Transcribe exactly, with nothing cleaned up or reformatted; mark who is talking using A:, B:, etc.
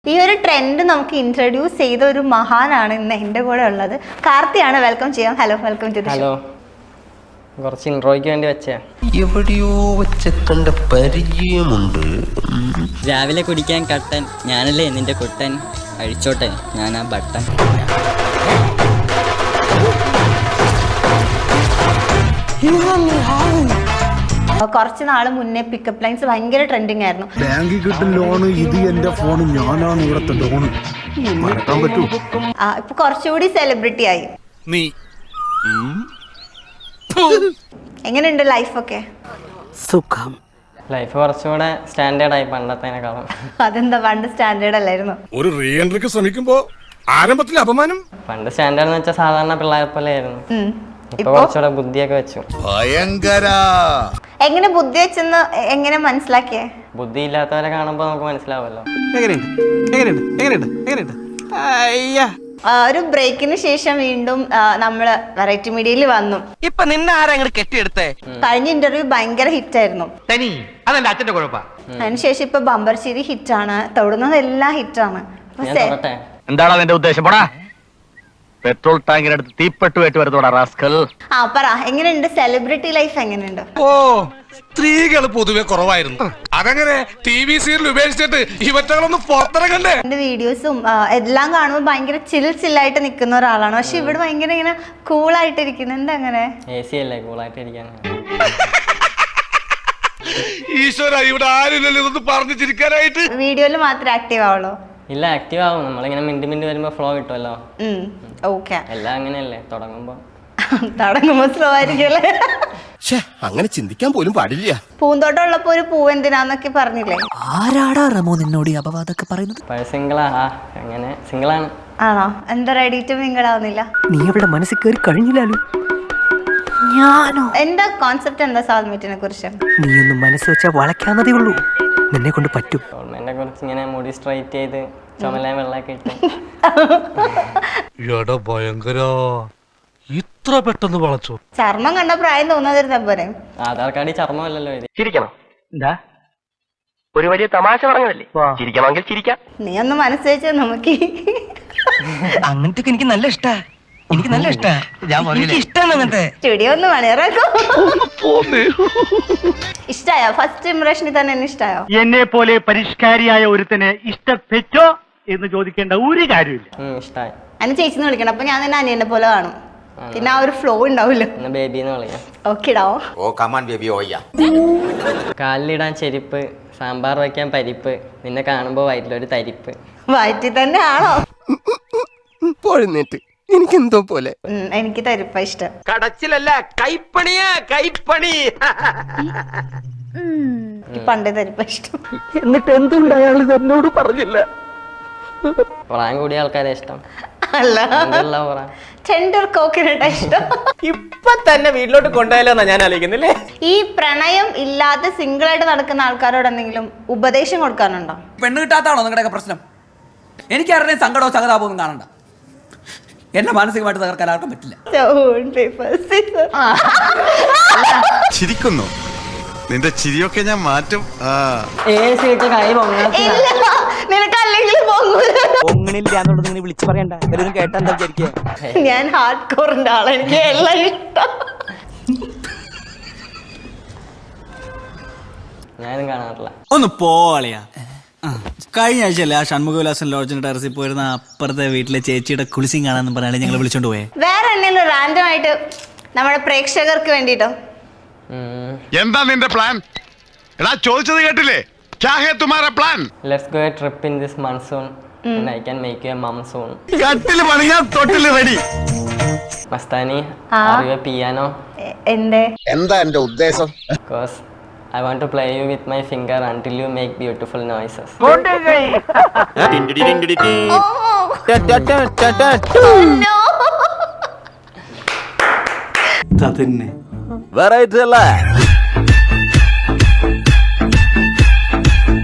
A: ഈ ഒരു ട്രെൻഡ് നമുക്ക് ഇൻട്രൊഡ്യൂസ് ചെയ്ത ഒരു മഹാനാണ് ഇന്ന് എൻ്റെ കൂടെ ഉള്ളത്. കാർത്തിയാണ്. വെൽക്കം ചെയ്യാം. Hello, welcome to the show.
B: Hello. കുറച്ച് ഇൻട്രോയ്ക്ക് വേണ്ടി വെച്ചേ.
C: എവിടെയോ വെച്ച കണ്ട പരിചയമുണ്ട്.
D: രാവിലെ കുടിക്കാൻ കട്ടൻ ഞാനല്ലേ നിന്റെ കുട്ടൻ, അഴിച്ചോട്ടെ ഞാൻ ആ ബട്ടൻ.
A: കുറച്ച് നാൾ മുന്നേ പിക്കപ്പ് ലൈൻസ് ഭയങ്കര ട്രെൻഡിങ് ആയിരുന്നു.
E: ബാങ്കിൽ കിട്ടും ലോണ്, ഇത് എന്റെ ഫോണ്, ഞാനാണ് ഇവിടത്തെ ലോണ്, മറക്കാൻ പറ്റൂ.
A: ആ ഇപ്പൊ കുറച്ചുകൂടി സെലിബ്രിറ്റി ആയി.
E: നീ
A: എങ്ങനെയുണ്ട് ലൈഫൊക്കെ?
E: സുഖം.
B: ലൈഫ് കുറച്ചുകൂടെ സ്റ്റാൻഡേർഡ് ആയി പണ്ടത്തേനേക്കാളും.
A: അതെന്താ, പണ്ട് സ്റ്റാൻഡേർഡ് അല്ലായിരുന്നു?
E: ഒരു റീ എൻട്രിക്ക് ശ്രമിക്കുമ്പോ ആരംഭത്തിൽ അപമാനം.
B: പണ്ട് സ്റ്റാൻഡേർഡ് എന്ന് വെച്ചാൽ സാധാരണ പിള്ളേരെ പോലെ ആയിരുന്നു. ഇപ്പൊ കുറച്ചുകൂടെ ബുദ്ധിയൊക്കെ വെച്ചു.
E: ഭയങ്കര.
A: എങ്ങനെ ബുദ്ധി വെച്ചെന്ന് എങ്ങനെ മനസ്സിലാക്കിയേ?
B: ബുദ്ധി ഇല്ലാത്തവരെ കാണുമ്പോ നമുക്ക് മനസ്സിലാവുമല്ലോ.
A: ഒരു ബ്രേക്കിന് ശേഷം വീണ്ടും നമ്മള് വെറൈറ്റി മീഡിയയിൽ വന്നു.
C: ഇപ്പൊ നിന്നെ ആരെങ്കിലും കെട്ടിയെടുത്തേ?
A: കഴിഞ്ഞ ഇന്റർവ്യൂ ഭയങ്കര ഹിറ്റ് ആയിരുന്നു.
C: തനി അതെന്റെ അച്ഛന്റെ കുഴപ്പാ.
A: അതിനുശേഷം ഇപ്പൊ ബമ്പർശ്ശേരി ഹിറ്റാണ്, തൊടുന്നതെല്ലാം ഹിറ്റാണ്.
B: ഞാൻ തൊടട്ടെ?
F: എന്താണ് അതിന്റെ ഉദ്ദേശം? പോടാ, പെട്രോൾ ടാങ്കിനടുത്ത് തീപ്പെട്ടുമായിട്ട് വരുന്നോടാ റാസ്കൽ.
A: ആ പറ, എങ്ങനെയുണ്ട് സെലിബ്രിറ്റി ലൈഫ്? എങ്ങനെയുണ്ട്?
E: ഓ, സ്ത്രീകൾ പൊതുവെ കുറവായിരുന്നു. അതങ്ങനെ ടി വി സീരിയൽ ഉപേക്ഷിച്ചിട്ട് ഇവറ്റകളൊന്നും പുറത്തിറങ്ങണ്ടേ?
A: എന്റെ വീഡിയോസും എല്ലാം കാണുമ്പോൾ ഭയങ്കര ചിൽ ചില്ലായിട്ട് നിൽക്കുന്ന ഒരാളാണ്. പക്ഷെ ഇവിടെ ഭയങ്കര ഇങ്ങനെ കൂളായിട്ട് ഇരിക്കുന്നു. എന്താ അങ്ങനെ?
B: എ സി അല്ലേ, കൂളായിട്ട് ഇരിക്കാൻ.
E: ഈശ്വര, ഇവിടെ ആരില്ലല്ലോ ഇതൊന്ന് പറഞ്ഞു ചിരിക്കാനായിട്ട്.
A: വീഡിയോയിൽ മാത്രമേ ആക്റ്റീവ് ആവുള്ളൂ?
B: ഇല്ല, ആക്റ്റീവ് ആവും. നമ്മളിങ്ങനെ മിണ്ടി മിണ്ടി വരുമ്പോ ഫ്ലോ കിട്ടുമല്ലോ.
A: ഓക്കെ.
B: എല്ലാം അങ്ങനെയല്ലേ, തുടങ്ങുമ്പോ
A: തുടങ്ങുമ്പോ സ്ലോ ആയിരിക്കുമല്ലേ?
F: അങ്ങനെ ചിന്തിക്കാൻ പോലും പാടില്ല.
A: പൂന്തോട്ടം ഉള്ളപ്പോ ഒരു പൂ എന്തിനാന്നൊക്കെ പറഞ്ഞില്ലേ?
G: ആരാടാ റമോ നിന്നോട് ഈ അപവാദമൊക്കെ പറയുന്നത്?
B: പഴയ സിംഗിളാ. ആ അങ്ങനെ സിംഗിളാണ്.
A: ആണോ? എന്താ റെഡി ടു മിങ്കിൾ ആവുന്നില്ല?
G: നീ അവിടെ മനസ്സിൽ കയറി കഴിഞ്ഞില്ലല്ലോ. ഞാനോ?
A: എന്താ കോൺസെപ്റ്റ്? എന്താ സാൽമീറ്റിനെ കുറിച്ച്?
G: നീ ഒന്ന് മനസ്സ് വെച്ചാൽ വളയ്ക്കാന്നതേ ഉള്ളൂ, നിന്നെ കൊണ്ട് പറ്റും.
B: ഗവൺമെന്റിനെ കുറിച്ച് ഇങ്ങനെ മുടി സ്ട്രൈറ്റ് ചെയ്ത് ചുമലാൻ വെള്ളമൊക്കെ ഇട്ട്.
E: ഭയങ്കര, ഇത്ര പെട്ടെന്ന് വളച്ചോ?
A: ചർമ്മം കണ്ട പ്രായം തോന്നാതിരുന്ന പോരെ?
B: ആധാർ കാർഡിൽ ചർമ്മമല്ലല്ലോ ഇത്.
F: ചിരിക്കണം. എന്താ ഒരു വലിയ തമാശ പറഞ്ഞതല്ലേ? ചിരിക്കണമെങ്കിൽ ചിരിക്കാം.
A: നീ ഒന്ന് മനസ്സ് വെച്ചാൽ നമുക്ക്
G: അങ്ങനത്തെ എനിക്ക് നല്ല ഇഷ്ടാ, എനിക്ക് നല്ല ഇഷ്ടാ. ഞാൻ ഇഷ്ടമാണ് അങ്ങനത്തെ.
A: സ്റ്റുഡിയോ ഒന്ന് മണിയറാക്കോ. ഇഷ്ടായോ? ഫസ്റ്റ് ഇംപ്രഷനിൽ തന്നെ എന്നെ ഇഷ്ടായോ?
H: എന്നെ പോലെ പരിഷ്കാരിയായ ഒരുത്തനെ ഇഷ്ടപ്പെട്ടോ എന്ന് ചോദിക്കേണ്ട ഒരു കാര്യമില്ല.
B: ഇഷ്ടായി.
A: അതിന് ചേച്ചിന്ന് വിളിക്കണം. അപ്പൊ ഞാൻ തന്നെ അനിയനെ പോലെ കാണും. പിന്നെ ആ ഒരു ഫ്ലോ ഉണ്ടാവില്ല.
B: ബേബിന്ന് വിളിക്കാം.
A: ഓക്കെടാ.
F: ഓ കമാൻ ബേബി ഓയ്യ.
B: കാലിലിടാൻ ചെരുപ്പ്, സാമ്പാർ വയ്ക്കാൻ പരിപ്പ്, നിന്നെ കാണുമ്പോ വയറ്റിലൊരു തരിപ്പ്.
A: വയറ്റിൽ തന്നെ ആണോ?
C: പോഴുന്നേറ്റ് എനിക്കെന്തോ പോലെ.
A: എനിക്ക് തരിപ്പ ഇഷ്ടം.
C: കടച്ചിലല്ല, കൈപ്പണിയാ, കൈപ്പണി.
A: പണ്ടേ തരിപ്പ ഇഷ്ടം.
G: എന്നിട്ട് എന്തുകൊണ്ട് അയാൾ എന്നോട് പറഞ്ഞില്ല?
B: പ്രായം കൂടിയ ആൾക്കാരെ ഇഷ്ടം.
A: അല്ല, ടെൻഡർ കോക്കനട്ട് ഇഷ്ടം.
C: ഇപ്പൊ തന്നെ വീട്ടിലോട്ട് കൊണ്ടുപോയാലോ എന്നാ ഞാൻ ആലോചിക്കുന്നില്ലേ.
A: ഈ പ്രണയം ഇല്ലാതെ സിംഗിൾ ആയിട്ട് നടക്കുന്ന ആൾക്കാരോട് എന്തെങ്കിലും ഉപദേശം കൊടുക്കാനുണ്ടോ?
I: പെണ്ണ് കിട്ടാത്താണോ നിങ്ങളുടെയൊക്കെ പ്രശ്നം? എനിക്ക് ആരുടെയും സങ്കടമോ സഹതാപമോ ഒന്നും കാണണ്ട. എന്നെ മാനസികമായിട്ട് തകർക്കാൻ ആർക്കും പറ്റില്ല.
E: ചിരിക്കുന്നു. നിന്റെ ചിരിയൊക്കെ ഞാൻ മാറ്റും.
B: ഏഴ് സീറ്റ് കൈ
A: നിനക്ക് അല്ലെങ്കിൽ
G: ഒങ്ങണില്ല എന്നുള്ളത് നീ വിളിച്ചു പറയണ്ട. എല്ലാവരും കേട്ടാ എന്താ വിചാരിക്കുക?
A: ഞാൻ ഹാർഡ് കോറിന്റെ ആളാണ്. എനിക്ക് എല്ലാം ഇഷ്ടം.
B: ഞാനും കാണാറില്ല.
I: ഒന്ന് പോളിയാ. കഴിഞ്ഞ ആഴ്ചയല്ലേ ആ ഷൺമുഖവിലാസൻ ലോഡ്ജിന്റെ ടെറസിൽ പോയിരുന്ന അപ്പുറത്തെ വീട്ടിലെ ചേച്ചിയുടെ കുളിസിങ് കാണാന്ന് പറഞ്ഞാൽ ഞങ്ങൾ വിളിച്ചോണ്ട് പോയേ.
A: വേറെ എന്തെങ്കിലും റാൻഡം ആയിട്ട് നമ്മുടെ പ്രേക്ഷകർക്ക് വേണ്ടിട്ടോ?
E: എന്താ നിന്റെ പ്ലാൻ? എടാ, ചോദിച്ചത് കേട്ടില്ലേ? ക്യാ ഹേ തുമാരാ plan?
B: Let's go a trip in this monsoon and I can make you a mum soon.
E: കട്ടില് പണിഞ്ഞാ തൊട്ടില് ready.
B: Mastani, are you a piano?
A: എന്തേ?
F: എന്താ എന്റെ ഉദ്ദേശം?
B: Because I want to play you with my finger until you make beautiful noises.
F: Variety അല്ലേ?